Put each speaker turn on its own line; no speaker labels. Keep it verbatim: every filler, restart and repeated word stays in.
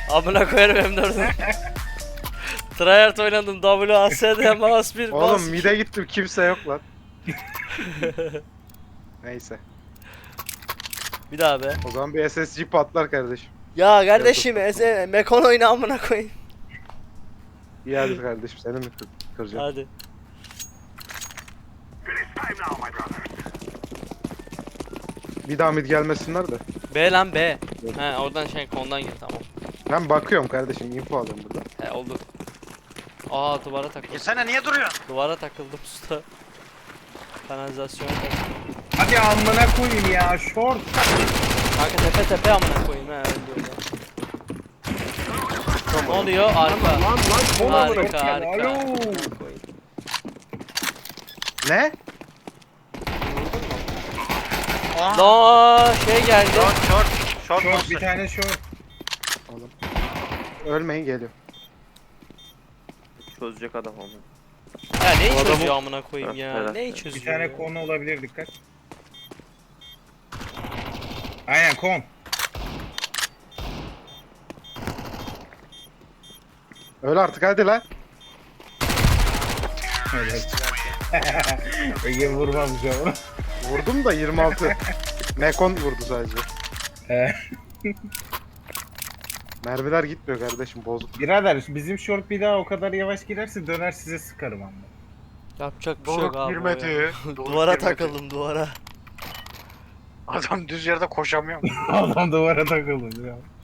Amına koyarım M dördü. Tryhard oynadım W A S D mouse bir
Oğlum
mouse
mide gittim kimse yok lan. Neyse.
Bir daha be.
O zaman bir S S G patlar kardeşim.
Ya kardeşim eze Mekon oyna amına koyayım.
İyi hadi kardeşim seni mi kır kıracağım?
Hadi.
Bir daha mid gelmesinler de.
B lan B. He oradan şey kondan gir tamam.
Ben bakıyorum kardeşim info alıyorum burada.
He oldu. Aa duvara takıldım.
Girsene niye duruyorsun?
Duvara takıldım usta. Kanalizasyona takıldım.
Hadi amına koyayım ya short.
Kanka tepe tepe amına koyayım he öldü orada. Ne oluyor? Arka.
Lan lan bol amına.
Harika harika.
Alo.
Amına koyayım.
Ne?
Aa,
Lan şey geldi.
short short. Short
Short bir
monster.
tane short.
Oğlum. Ölmeyin geliyor.
Çözecek adam onu.
Ya neyi
O adamı-
çözüyor amına koyayım ya?
Evet,
Neyi
evet.
çözüyor?
Bir tane
ya?
konu olabilir dikkat. Aynen kon.
Öl artık hadi lan.
Evet. Peki vurmamış ama.
Vurdum da yirmi altı. Mekon vurdu sadece.
Ee,
Mermiler gitmiyor kardeşim bozuk.
Birader bizim short bir daha o kadar yavaş girerse döner size sıkarım ama.
Yapacak bir şey yok
Doruk
abi. o ya.
girmedi. Doruk
Duvara
girmedi.
takıldım duvara.
Adam düz yerde koşamıyor.
Adam duvara takıldı ya.